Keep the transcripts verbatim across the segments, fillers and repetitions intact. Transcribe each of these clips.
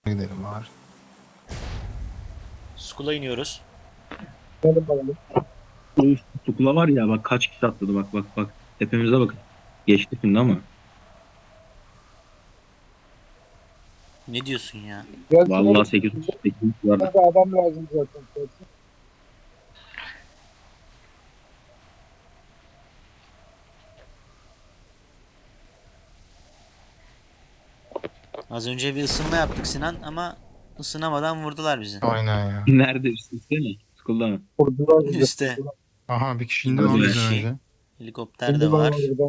Gidelim var. School'a iniyoruz. Uf, Tukula var ya bak kaç kişi atladı bak bak bak. Tepemize bakın. Geçti şimdi ama. Ne diyorsun ya? Vallahi sekiz sekiz var. Hadi adam lazım zaten. Az önce bir ısınma yaptık Sinan ama ısınamadan vurdular bizi. Aynen ya. Nerede üstte mi? Tukulda mı? Kurdular bizi. Üste. Aha bir kişi indi Hadi lan be. bizden önce. Helikopter de var. Burada.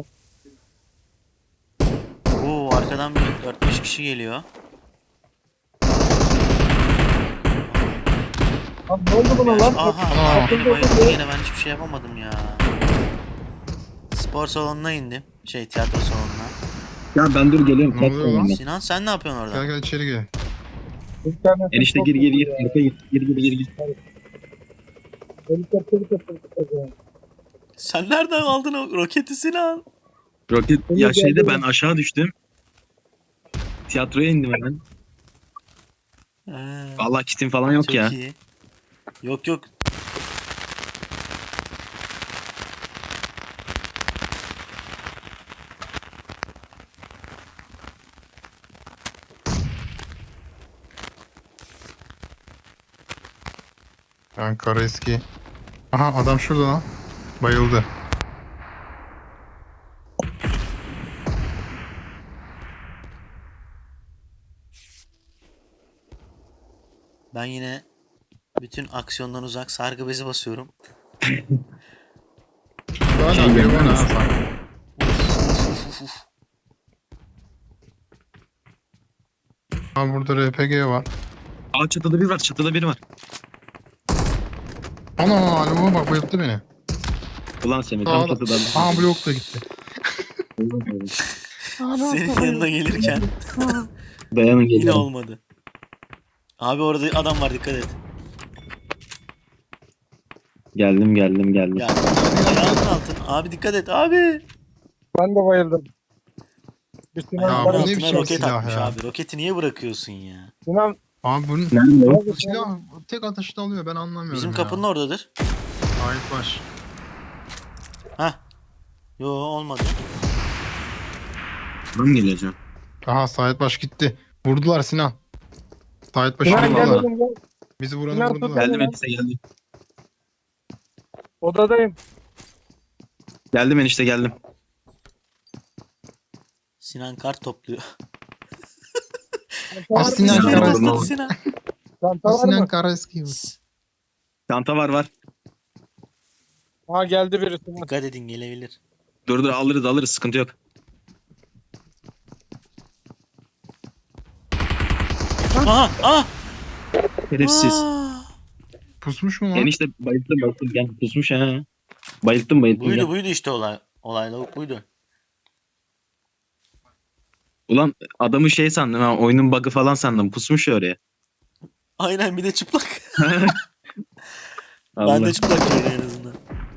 Oo, arkadan bir dört beş kişi geliyor. Lan ne oldu buna lan? Aha, Aa. beni bayıldı yine, ben hiçbir şey yapamadım ya. Spor salonuna indim. Şey, tiyatro salonuna. Ya ben dur geliyorum. Ne oluyor lan? Sinan sen ne yapıyorsun orada? Gel gel içeri gel. Bir tane Enişte gir gir gir. Arka gir. Gir gir gir gir. helikopteri kaçırdık. Sen nereden aldın o roketi Sinan? Roket ya şeyde ben aşağı düştüm. Tiyatroya indim hemen. Ee, Vallahi kitim falan yok çok ya. iyi. Yok yok. Ben kara eski. Aha adam şurada lan. Bayıldı. Ben yine bütün aksiyondan uzak sargı bezi basıyorum. Bana Şey biri gelmez. bana ha sanki. Uf, uf, uf. Ha burada R P G var. Aa çatıda bir var. Çatıda biri var. Ana alo bak bayılttı beni. Ulan Semih tam Sağda. çatıda. Aha blok da gitti. Senin yanına gelirken Dayanın yine geliyorum. olmadı. Abi orada adam var, dikkat et. Geldim geldim geldim. Ya ayağının altın. Abi dikkat et abi. Ben de bayıldım. Bir Sinan, Ya Ayağının bu ne altına biçim roket silah atmış ya? abi. Roketi niye bırakıyorsun ya? Sinan Abi bunun Nerede o? bu silah tek atışta alıyor ben anlamıyorum Bizim ya. kapının oradadır. Ait baş. Hah. Yo, olmadı. Ben geleceğim. Aha Sait Baş gitti. Vurdular Sinan. Sait Baş'ı Sinan gel vurdular. oğlum gel. Bizi vuranı Sinan vurdular. Geldim enişte geldim. Odadayım. Geldim enişte geldim. Sinan kart topluyor. Ah, Sinan Sinan Karaeski. topladı Karaeski. Sinan. Çanta var Sinan mı? Karaeski. Çanta var var. Ha geldi biri Sinan. Dikkat edin, gelebilir. Dur dur alırız alırız sıkıntı yok. Aha! Ah! Şerefsiz. Aa! Pusmuş mu lan? Enişte bayılttım bayılttım gel pusmuş ha. Bayılttım bayılttım Buydu gel. buydu işte olay. Olay lavuk buydu. Ulan adamı şey sandım ha oyunun bug'ı falan sandım pusmuş ya oraya. Aynen, bir de çıplak. Allah. Ben de çıplak gördüm en azından.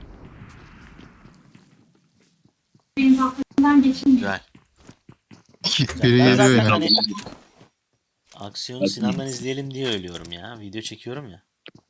Benim aklımdan geçmiyor. Güzel. Biri Ben geliyor zaten yine. hani aksiyonu Sinan'dan izleyelim diye ölüyorum ya. Video çekiyorum ya.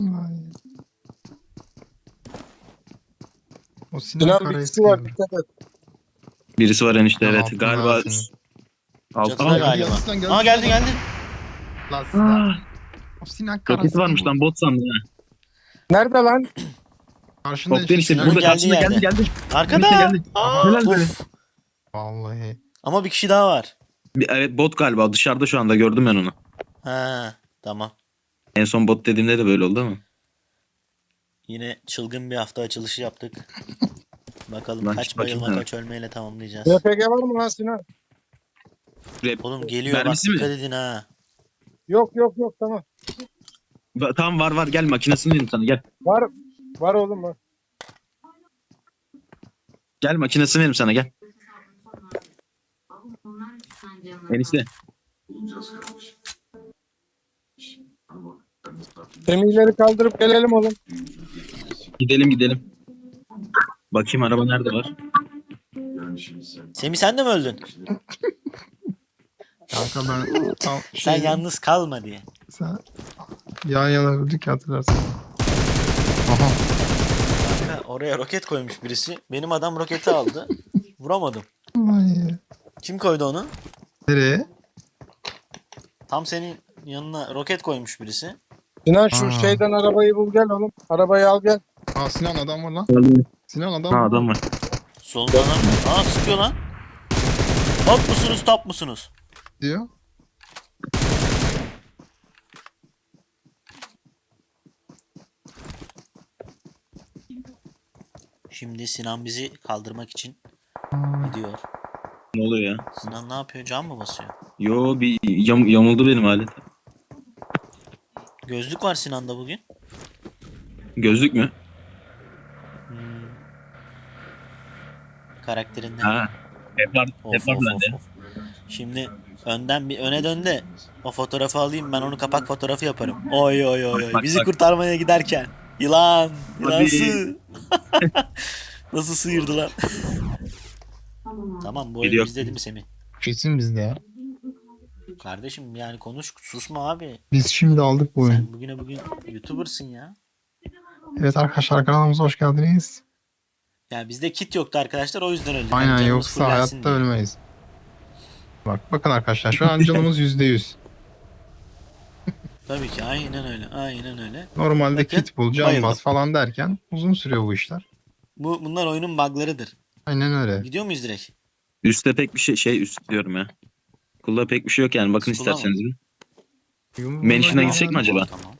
O Sinan Sinan bir kişi Karaeski. var dikkat et. Birisi var enişte Tamam, evet galiba. altında senin. Alt, Çatıda Aa, galiba. geldi, geldi, Aa, geldi geldi. Lan Sinan. Aa, O Sinan roketi Karaeski. varmış lan bot sandım ha. Nerede lan? Karşında Kokteyl işte Sinan'ın burada geldiği karşında geldi yerde. geldi. Arkada. Enişte geldi. Aa, Helal be. uf. Vallahi. Ama bir kişi daha var. Bir- Evet bot galiba dışarıda şu anda gördüm ben onu. Ha, tamam. En son bot dediğimde de böyle oldu ama. Yine çılgın bir hafta açılışı yaptık. Bakalım Lan kaç çık bakayım bayılma ha. kaç ölmeyle tamamlayacağız. R P G var mı lan Sinan? Rap- Oğlum geliyor bak, Mermisi mi? dikkat edin ha. Yok yok yok tamam. Ba- Tamam var var gel makinesini vereyim sana gel. Var. Var oğlum var. Gel makinesini vereyim sana gel. Enişte. Semihleri kaldırıp gelelim oğlum. Gidelim gidelim. Bakayım araba nerede var? Semih sen de mi öldün? Kanka ben tam Sen şey, yalnız kalma diye. sen yan yana öldük ya, hatırlarsın. Aha. Kanka oraya roket koymuş birisi. Benim adam roketi aldı. Vuramadım. Vay. Kim koydu onu? Nereye? Tam senin yanına roket koymuş birisi. Sinan şu Aa. şeyden arabayı bul gel oğlum. Arabayı al gel. Aa, Sinan adam var lan. Geldim. Sinan adam Ha var. adam var. Solunda adam var. Aa sıkıyor lan. Top musunuz top musunuz? diyor. Şimdi Sinan bizi kaldırmak için Aa, gidiyor. Ne oluyor ya? Sinan ne yapıyor? Can mı basıyor? Yo bir yam, yamuldu benim alet. Gözlük var Sinan'da bugün. Gözlük mü? Hmm. Karakterinden. Ha. Hep var, Of, hep var of, bende. of, of. Şimdi önden bir öne dön de o fotoğrafı alayım, ben onu kapak fotoğrafı yaparım. Oy oy oy oy. Bak, Bizi bak. kurtarmaya giderken. Yılan. Yılan Hadi. sığ. Nasıl sıyırdı lan? Tamam abi. Tamam bu oyun Biliyor. bizde değil mi Semih? kesin bizde ya. Kardeşim yani konuş, susma abi. Biz şimdi aldık bu oyunu. Sen bugüne bugün YouTuber'sın ya. Evet arkadaşlar, kanalımıza hoş geldiniz. Ya bizde kit yoktu arkadaşlar, o yüzden öldük. Aynen, Hani canımız yoksa fullensin hayatta diye. ölmeyiz. Bak bakın arkadaşlar, şu an canımız yüzde yüz. Tabii ki aynen öyle. Aynen öyle. Normalde Bakın, kit bul, can bayıldım. bas falan derken uzun sürüyor bu işler. Bu bunlar oyunun bug'larıdır. Aynen öyle. Gidiyor muyuz direkt? Üstte pek bir şey şey üst diyorum ya. Kulda pek bir şey yok yani. Bakın Skula mı? isterseniz bir. Yumruğuna Mansion'a gelen- gitsek mi acaba? Tamam.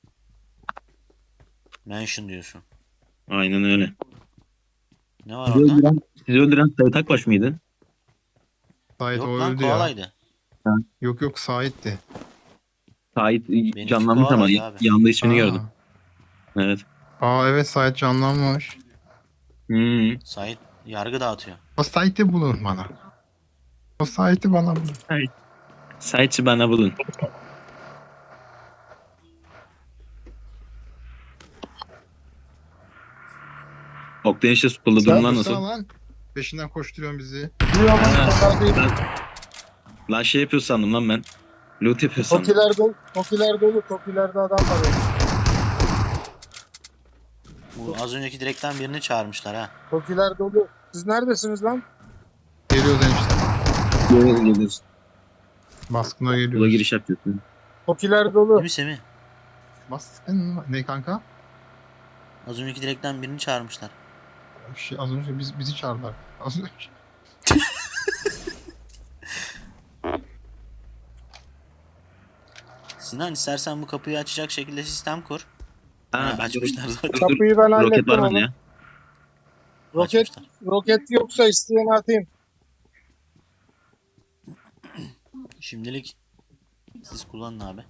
Mansion diyorsun. Aynen öyle. Ne var Sizi orada? öldüren, sizi öldüren Sayit Akbaş mıydı? Sait Yok o lan öldü ya. koalaydı. Yok yok, Sait'ti. Sait Benimki canlanmış ama koalaydı abi. yanında ismini Aa. gördüm. Evet. Aa evet, Sait canlanmış. Hmm. Sait yargı dağıtıyor. O Sait'i bulun bana. O Sait'i bana bulun. Sait'i bana bulun. Oktay işte Skul'da durumlar nasıl? Dursana lan. Peşinden koşturuyorsun bizi. Diyor ama Ha. onlar değil. Ben, lan şey yapıyor sandım lan ben. Loot yapıyor sandım. Tokiler dolu. Tokiler dolu. Tokilerde adam var. ya. Bu az önceki direkten birini çağırmışlar ha. Tokiler dolu. Siz neredesiniz lan? Geliyoruz enişte. Geliyoruz geliyoruz. Baskına Bula geliyoruz. giriş yapıyorsun. Tokiler Değil dolu. mi Semih? Baskın ne kanka? Az önceki direkten birini çağırmışlar. Bir şey, az önce biz, bizi çağırdılar. Az önce. Sinan istersen bu kapıyı açacak şekilde sistem kur. Ha, Ha, bence açmışlar zaten. dur, dur. Kapıyı ben Roket hallettim var oğlum. bende ya. Roket, Açmışlar. roket yoksa isteyene atayım. Şimdilik siz kullanın abi.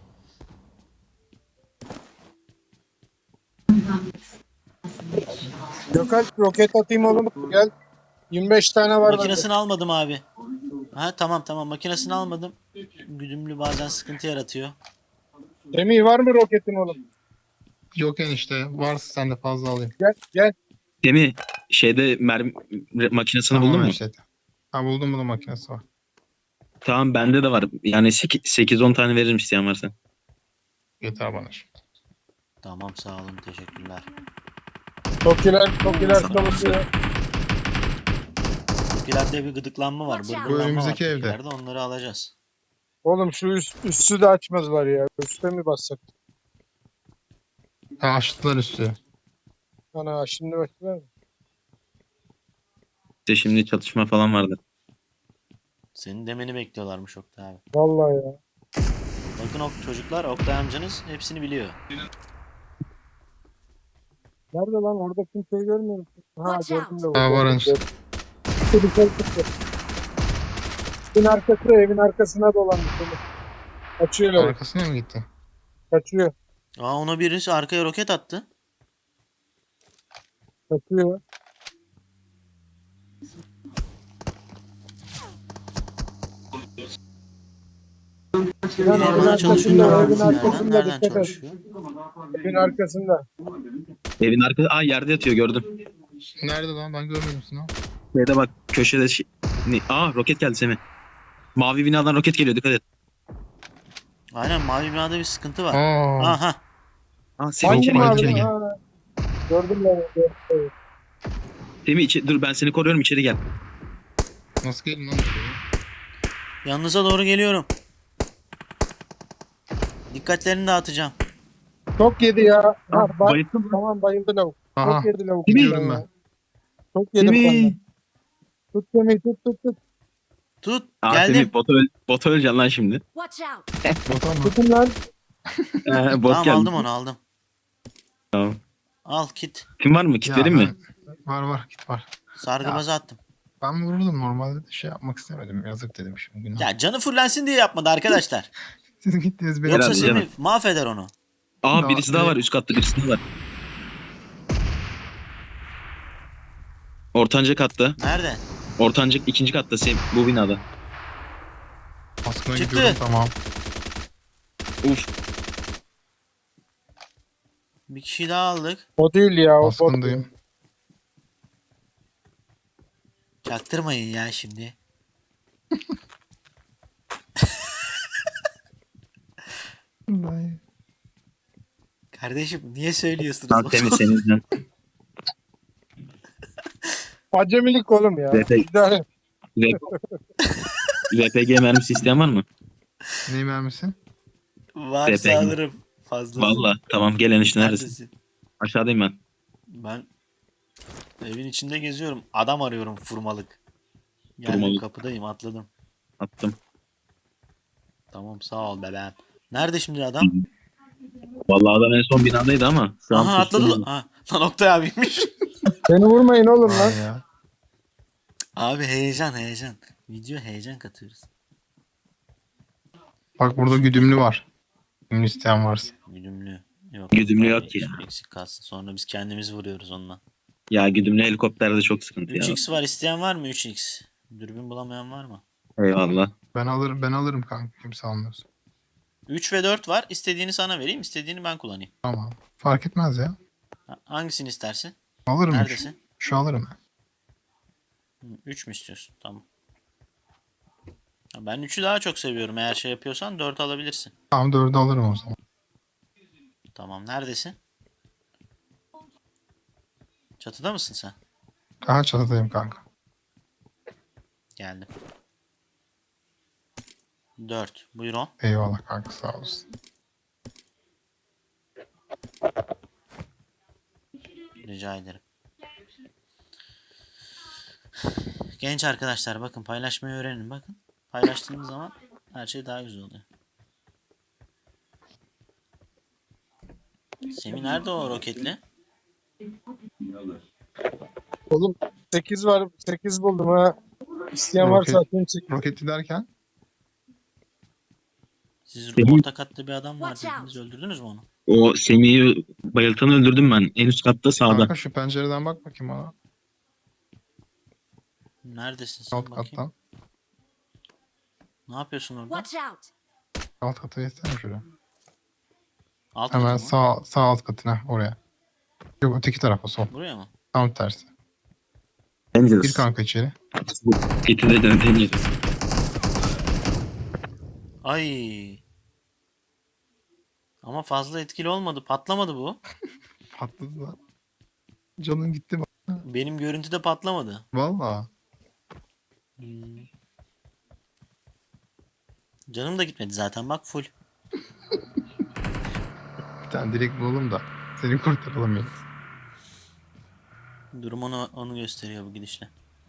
Gökalp roket atayım oğlum. Gel. yirmi beş tane var bende. Makinesini almadım abi. Ha tamam tamam makinesini almadım. Güdümlü bazen sıkıntı yaratıyor. Semih var mı roketin oğlum? Yok enişte. Varsa sen de fazla alayım. Gel gel. Demi şeyde mermi makinesini buldun mu? enişte. Ha buldum, bunun makinesi var. Tamam bende de var. Yani sekiz on tane veririm isteyen varsa. Yeter bana. Tamam sağ olun teşekkürler. Tokiler, tokiler çalışıyor. Tokilerde bir gıdıklanma var. Watch out. Bırgırlanma var önümüzdeki evde. Tokilerde, onları alacağız. Oğlum şu üst, üstü de açmazlar ya. Üste mi bassak? Ha, açtılar üstü. Ana şimdi başlar. İşte şimdi çatışma falan vardı. Senin demeni bekliyorlarmış Oktay abi. Vallahi ya. Bakın ok çocuklar, Oktay amcanız hepsini biliyor. Nerede lan? Orada kimseyi görmüyorum. Ha Watch out. gördüm de. Ha, var enişte. Çıktı dışarı çıktı. Evin arkası, evin arkasına dolandı. Kaçıyor öyle. Arkasına mı gitti? Kaçıyor. Aa ona birisi arkaya roket attı. Kaçıyor. Biri Lan evin bana çalışıyor. arkasında, evin Nereden, arkasında nereden dikkat et. çalışıyor? Evin arkasında. Evin arkası aa yerde yatıyor gördüm. Nerede lan? Ben görmedim Sinan. Şeyde bak köşede şey... Ne? Aa roket geldi Semih. Mavi binadan roket geliyor, dikkat et. Aynen, mavi binada bir sıkıntı var. Aa, Aha. Aa, Semih Hangi içeri gel, mavi? içeri gel. Ha, gördüm ben. Evet. Semih içe- dur ben seni koruyorum, içeri gel. nasıl geldin lan buraya? Yanınıza doğru geliyorum. Dikkatlerini dağıtacağım. Çok yedi ya. Ha, Aa, bak, bayıldım lan. tamam bayıldı lavuk. Aha, Çok yedi lavuk. gidiyorum benden ben. ya. Çok yedi Semih. benden. Tut Semih, tut tut tut. Tut. Aa, Geldim. Semih bota, öl bota öleceksin lan şimdi. Watch out! Bota mı? Tutun lan. Ee, bot Tamam, geldi. aldım onu, aldım. Tamam. Al kit. Kim var mı? Kit Ya vereyim mi? ben- Var var git var. Sargıbazı attım. Ben vururdum normalde de şey yapmak istemedim. Yazık dedim şimdi. Günah. Ya canı fullensin diye yapmadı arkadaşlar. Siz gittiniz beni. Yoksa Herhalde Semih canım. mahveder onu. Aa, Daha- birisi daha var, üst katta birisi daha var. Ortanca katta. Nerede? Ortanca ikinci katta Sem bu binada. Baskına Çıktı. gidiyorum tamam. Uf. Bir kişi daha aldık. O değil ya. O bot. Baskındayım. Çaktırmayın ya şimdi. Vallahi. Kardeşim niye söylüyorsunuz? Lan Semih senin yüzünden. Acemilik oğlum ya. Zepe- İdare. R P G mermisi isteyen var mı? Ne mermisi? Varsa Bebek. alırım. Fazla. Valla. Tamam, gel enişte, neredesin? Neredesin? Aşağıdayım ben. Ben evin içinde geziyorum. Adam arıyorum furmalık. Geldim, Furmalık. kapıdayım, atladım. Attım. Tamam, sağ ol bebeğim. Nerede şimdi adam? Vallahi adam en son binadaydı ama şu an Aha, atladı. pusuyor. lan. Ha, lan Oktay abiymiş. Beni vurmayın oğlum lan. Vay ya. Abi heyecan heyecan. Video heyecan katıyoruz. Bak burada güdümlü var. Güdümlü isteyen varsa. Güdümlü. Yok. Güdümlü yok Abi, ya. Eksik kalsın. Sonra biz kendimiz vuruyoruz onunla. Ya güdümlü helikopterde çok sıkıntı ya. üç x var, isteyen var mı üç x? Dürbün bulamayan var mı? Eyvallah. Ben alırım ben alırım kanka kimse almıyorsa. üç ve dört var. İstediğini sana vereyim, istediğini ben kullanayım. Tamam. Fark etmez ya. Ha, hangisini istersin? Alırım üç. Neredesin? Şu alırım. üç mü istiyorsun? Tamam. Ha, ben üçü daha çok seviyorum. Eğer şey yapıyorsan dört alabilirsin. Tamam dördü alırım o zaman. Tamam. Neredesin? Çatıda mısın sen? Aha çatıdayım kanka. Geldim. dört. Buyurun. Eyvallah kanka sağ olasın. Rica ederim. Genç arkadaşlar, bakın paylaşmayı öğrenin. Bakın. Paylaştığınız zaman her şey daha güzel oluyor. Semih nerede o roketli? Oğlum sekiz var. sekiz buldum ha. İsteyen Roket. varsa atayım sekiz. Roketli derken Siz Semih- orta katta bir adam var Watch out. dediniz. Öldürdünüz mü onu? O Semih'i bayıltanı öldürdüm ben. En üst katta sağda. kanka şu pencereden bak bakayım ona. Neredesin sen, Alt bakayım. kattan. Ne yapıyorsun orada? Watch out! Alt kata geçsene şuraya. Alt Hemen katı mı? sağ, sağ alt katına oraya. Yok öteki tarafa sol. Buraya mı? Tam tersi. Dangerous. Gir kanka içeri. Getirdi de Dangerous. Ay. Ama fazla etkili olmadı. Patlamadı bu. Patladı lan. Canın gitti bak. Benim görüntüde patlamadı. Valla. Hmm. Canım da gitmedi zaten, bak full. Bir tane direkt bulalım da. Seni kurtaralım ya. Durum onu, onu gösteriyor bu gidişle.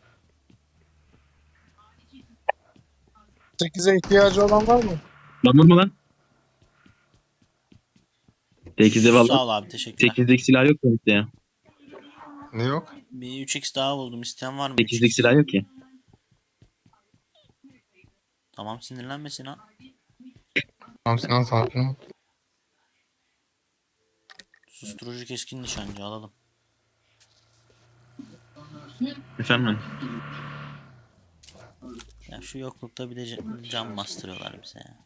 sekize ihtiyacı olan var mı? Lan vurma lan. sekizde Sağ valla. ol abi, teşekkürler. sekizdeki silah yok mu işte ya? Ne yok? Bir üç x daha buldum. İsteyen var mı? sekizdeki üç x? silah yok ki. Tamam, sinirlenme Sinan. Tamam Sinan sakin ol. Susturucu keskin nişancı alalım. Efendim? Ya şu yoklukta bir de ca- cam bastırıyorlar bize ya.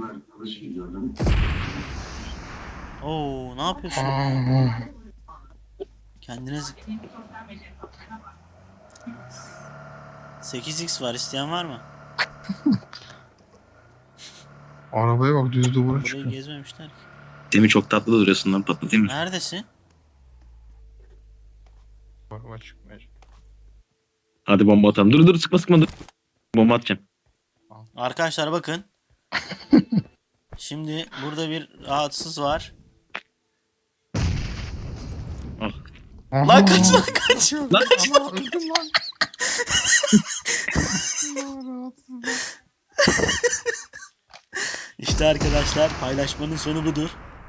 Oo, ne yapıyorsun? Aa, Kendiniz... sekiz x var, isteyen var mı? Arabaya bak düz duvara Burayı çıkıyor. gezmemişler ki. Demi çok tatlı duruyorsun lan, patlatayım mı? Neredesin? Araba çıkmıyor. Hadi bomba atalım. Dur dur, sıkma sıkma dur. Bomba atacağım. Arkadaşlar bakın. Şimdi burada bir rahatsız var. Ah. Lan kaç lan kaç. Lan Allah öldüm lan. İşte arkadaşlar paylaşmanın sonu budur.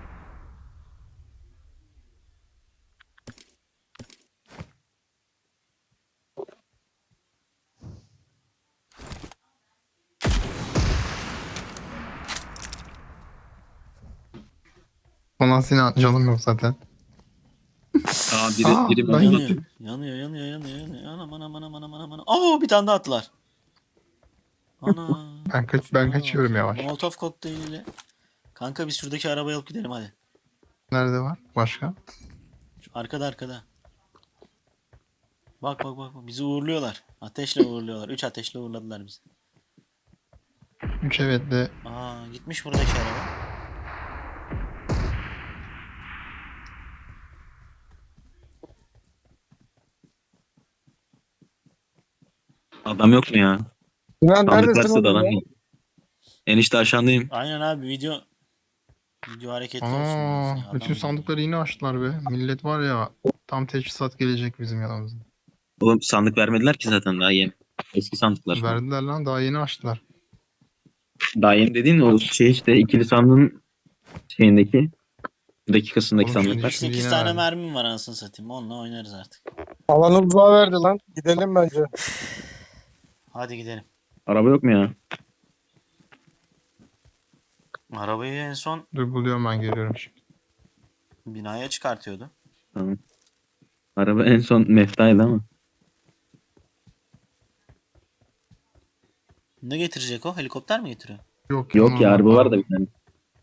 Ulan Sinan canım yok zaten. Aa biri Aa, biri ben bomba Yanıyor. atıyor. Yanıyor yanıyor yanıyor yanıyor. Anam anam anam anam anam anam. Oo bir tane daha attılar. Ana. Ben kaç ben Ana. kaçıyorum yavaş. Molotov kokteyliyle. Kanka biz şuradaki arabayı alıp gidelim hadi. Nerede var? Başka? Şu arkada arkada. Bak bak bak bak. Bizi uğurluyorlar. Ateşle uğurluyorlar. Üç ateşle uğurladılar bizi. Üç evetle Aa gitmiş buradaki araba. Adam yok mu ya? Sinan Sandık neredesin varsa da oğlum adam ya? yok. Enişte aşağındayım. Aynen abi video video hareketli olsun. Aa, biraz ya. bütün Adam- sandıkları yine açtılar be. Millet var ya tam teçhizat gelecek bizim yanımıza. Oğlum sandık vermediler ki zaten, daha yeni. Eski sandıklar. Verdiler lan daha yeni açtılar. Daha yeni dediğin o şey işte, ikili sandığın şeyindeki dakikasındaki Oğlum şimdi sandıklar. işte- sekiz yine tane verdi. mermim var anasını satayım. Onunla oynarız artık. Alanı uzağa verdi lan. Gidelim bence. Hadi gidelim. Araba yok mu ya? Arabayı en son Dur buluyorum ben geliyorum şimdi. binaya çıkartıyordu. Tamam. Araba en son meftaydı ama. Ne getirecek o? Helikopter mi getiriyor? Yok, Yok ya, normal araba var da bir tane.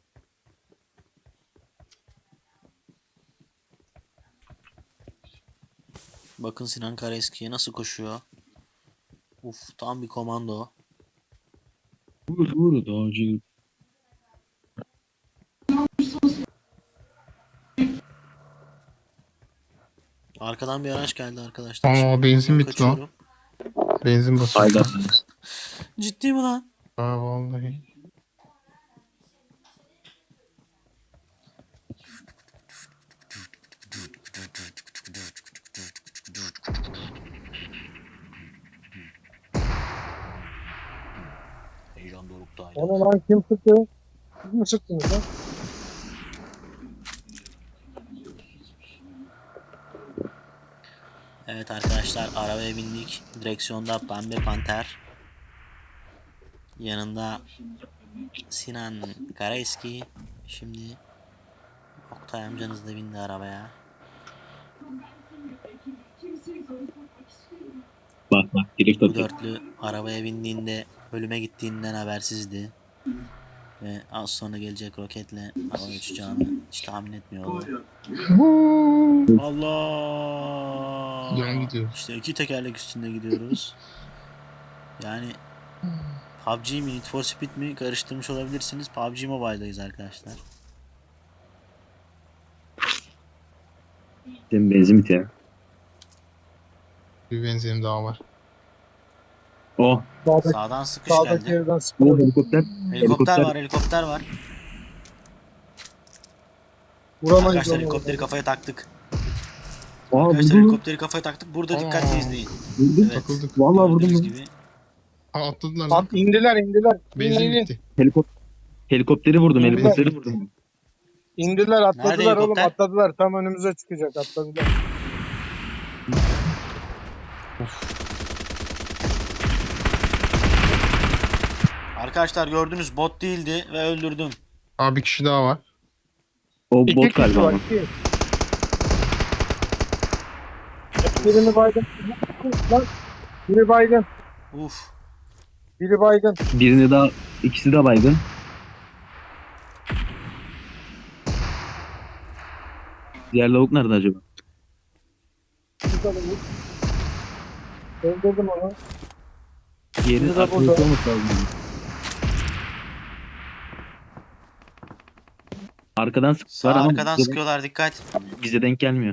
Bakın Sinan Karaeski'ye nasıl koşuyor. Uf tam bir komando. Vur vur dağcı. Arkadan bir araç geldi arkadaşlar. Aa, Şimdi benzin ben bitti lan. kaçıyorum. Benzin basıyor. Hayda. Ciddi mi lan? Aa vallahi. Heyecan dorukta. Onu lan kim sıktı? Siz mi sıktınız lan? Evet arkadaşlar arabaya bindik. Direksiyonda Pembe Panter. Yanında Sinan Karaeski. Şimdi Oktay amcanız da bindi arabaya. Bak bak, drift Bu atıyor. dörtlü arabaya bindiğinde ölüme gittiğinden habersizdi. Ve az sonra gelecek roketle hava uçacağını hiç tahmin etmiyordu. Allah! Yan gidiyor. İşte iki tekerlek üstünde gidiyoruz. Yani P U B G mi Need for Speed mi karıştırmış olabilirsiniz. P U B G Mobile'dayız arkadaşlar. Senin benzin bitiyor. Bir benzinim daha var. Oh. Sağdaki, Sağdan sıkış sağdaki geldi. evden Bu sıkıyor. helikopter. Helikopter helikopter. var, helikopter var. Vuramayız Arkadaşlar onu. helikopteri kafaya taktık. Aa Arkadaşlar vurdum. helikopteri kafaya taktık. Burada dikkatli Aa. izleyin. Vurdum. Evet. Takıldık. Vallahi vurdum. Gördüğünüz lan. gibi. Aa atladılar lan. At, indiler indiler. Benzin İn, in, in. bitti. Helikop helikopteri vurdum. Vurdum. Helikopteri vurdum. İndiler atladılar Nerede oğlum helikopter? atladılar. Tam önümüze çıkacak atladılar. Arkadaşlar gördünüz bot değildi ve öldürdüm. Aa bir kişi daha var. O İki bot kişi galiba var ama. iki. Birini baygın. Lan. Biri baygın. Uf. Biri baygın. Birini daha, ikisi de baygın. Diğer lavuk nerede acaba? Güzel olur. Öldürdüm onu. Diğeri Biri de arkadaşı burada. olması lazım. Arkadan Sağ sıkıyorlar ama arkadan bize, sıkıyorlar, dikkat. bize denk gelmiyor.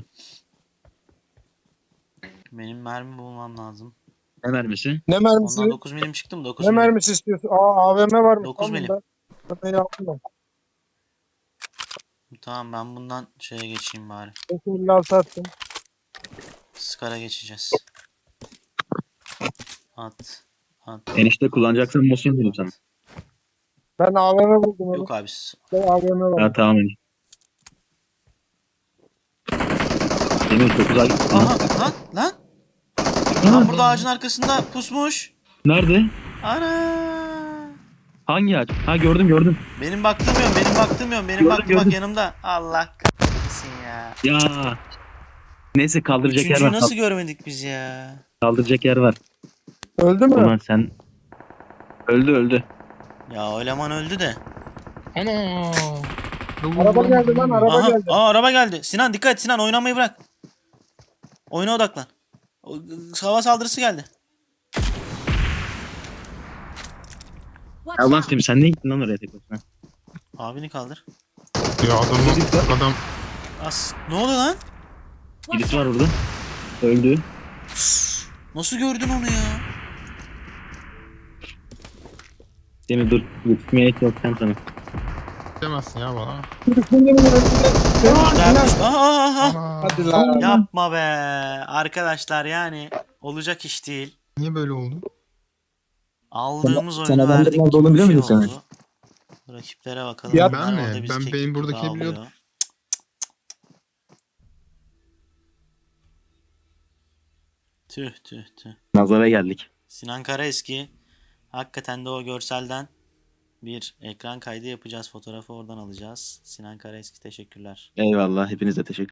Benim mermi bulmam lazım. Ne mermisi? Ne mermisi? Ondan dokuz milim çıktı mı? dokuz Ne milim. mermisi istiyorsun? Aa A V M varmış. dokuz Tamam milim. ben. Ben de yaptım ben. Tamam, ben bundan şeye geçeyim bari. beş elli altı attım. Scar'a geçeceğiz. At. At. Enişte kullanacaksan motion dedim sana. Ben A V M buldum. Yok Yok. abi. s- Ben A V M var. Ha tamam enişte. Demir çok uzak. Aha. Aha lan lan. Lan burada ağacın arkasında pusmuş. Nerede? Ana. Hangi ağaç? Ha gördüm gördüm. Benim baktığım yok, benim baktığım yok. Benim Gördüm, baktığım bak gördüm. yanımda. Allah kahretsin ya. Ya. Neyse kaldıracak yer Üçüncüyü var. nasıl görmedik biz ya? Kaldıracak yer var. Öldü mü? Ulan sen öldü öldü. Ya o eleman öldü de. Ana. Araba geldi lan, araba Aha, geldi. aa, araba geldi. Sinan dikkat et, Sinan oynamayı bırak. Oyuna odaklan. O- Hava saldırısı geldi. Watch Ya ulan out! Semih sen ne gittin lan oraya tek başına? Abini kaldır. Ya adam adam As. Ne oluyor lan? Birisi var orada. Öldü. Nasıl gördün onu ya? Demir dur. Yetişmeye hiç yok sen sana. demezsin ya bana. Dermiş. Aha, aha, aha. Ana. Hadi lan. Yapma be. Arkadaşlar yani olacak iş değil. Niye böyle oldu? Aldığımız Sen- oyunu sen adamların verdik nerede gibi olduğunu bir biliyor şey muydun sen? oldu. Rakiplere bakalım. Ya Bunlar ben mi? orada bizi Ben keklik benim gibi buradaki ağlıyor. biliyordum. Tüh tüh tüh. Nazara geldik. Sinan Karaeski. Hakikaten de o görselden bir ekran kaydı yapacağız. Fotoğrafı oradan alacağız. Sinan Karaeski teşekkürler. Eyvallah hepinize teşekkür